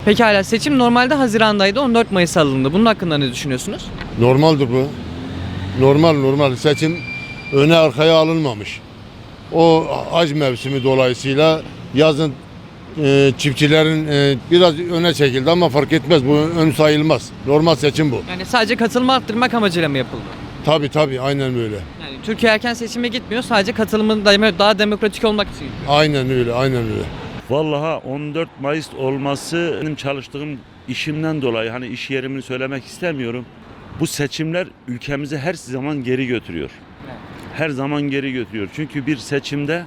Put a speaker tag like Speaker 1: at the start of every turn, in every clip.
Speaker 1: Pekala, seçim normalde Haziran'daydı, 14 Mayıs alındı. Bunun hakkında ne düşünüyorsunuz?
Speaker 2: Normaldir bu. Normal. Seçim öne arkaya alınmamış. O hac mevsimi dolayısıyla yazın çiftçilerin biraz öne çekildi ama fark etmez. Bu ön sayılmaz. Normal seçim bu.
Speaker 1: Yani sadece katılımı arttırmak amacıyla mı yapıldı?
Speaker 2: Tabii aynen öyle.
Speaker 1: Yani Türkiye erken seçime gitmiyor, sadece katılımın daha demokratik olmak için.
Speaker 2: Aynen öyle.
Speaker 3: Vallahi 14 Mayıs olması benim çalıştığım işimden dolayı hani iş yerimini söylemek istemiyorum. Bu seçimler ülkemizi her zaman geri götürüyor. Her zaman geri götürüyor. Çünkü bir seçimde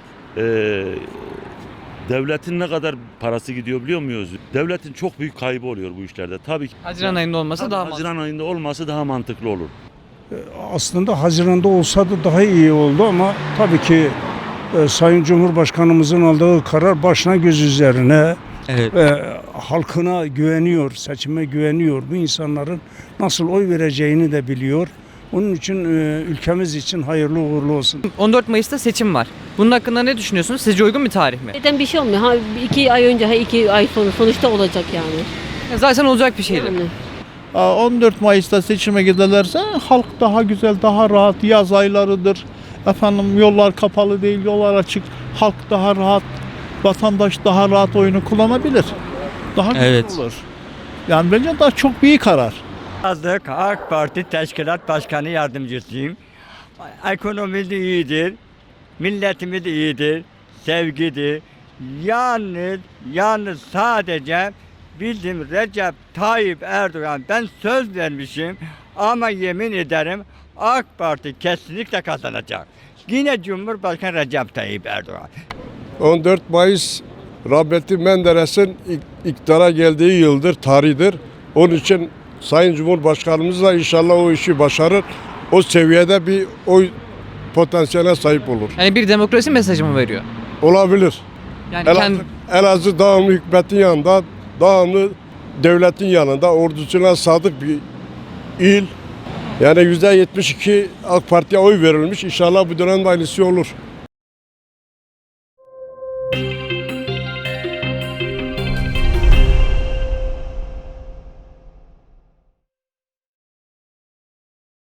Speaker 3: devletin ne kadar parası gidiyor biliyor muyuz? Devletin çok büyük kaybı oluyor bu işlerde. Tabii ki
Speaker 1: Haziran ayında olması daha mantıklı.
Speaker 3: Haziran ayında olması daha mantıklı olur.
Speaker 4: Aslında Haziran'da olsa da daha iyi oldu ama tabii ki Sayın Cumhurbaşkanımızın aldığı karar başına göz üzerine.
Speaker 1: Evet.
Speaker 4: Halkına güveniyor, seçime güveniyor. Bu insanların nasıl oy vereceğini de biliyor. Onun için ülkemiz için hayırlı uğurlu olsun.
Speaker 1: 14 Mayıs'ta seçim var. Bunun hakkında ne düşünüyorsunuz? Sizce uygun bir tarih mi?
Speaker 5: Neden bir şey olmuyor? Ha, 2 ay önce, 2 ay sonra sonuçta olacak yani.
Speaker 1: Zaten olacak bir şeydi.
Speaker 5: Yani.
Speaker 6: 14 Mayıs'ta seçime giderlerse halk daha güzel, daha rahat, yaz aylarıdır. Efendim yollar kapalı değil, yollar açık. Halk daha rahat, vatandaş daha rahat oyunu kullanabilir. Daha güzel olur. Yani bence daha çok büyük karar.
Speaker 7: Yazdık AK Parti Teşkilat Başkanı Yardımcısıyım. Ekonomi de iyidir, milletimiz de iyidir, sevgidir. Yalnız sadece bildiğim Recep Tayyip Erdoğan, ben söz vermişim ama yemin ederim AK Parti kesinlikle kazanacak. Yine Cumhurbaşkanı Recep Tayyip Erdoğan.
Speaker 8: 14 Mayıs rahmetli Menderes'in iktidara geldiği yıldır, tarihidir. Onun için Sayın Cumhurbaşkanımız da inşallah o işi başarır. O seviyede bir oy potansiyeline sahip olur.
Speaker 1: Yani bir demokrasi mesajı mı veriyor?
Speaker 8: Olabilir.
Speaker 1: Yani
Speaker 8: Elazığ devamlı hükümetin yanında, devamlı devletin yanında, ordusuna sadık bir il. Yani %72 AK Parti'ye oy verilmiş. İnşallah bu dönemde aynısı olur.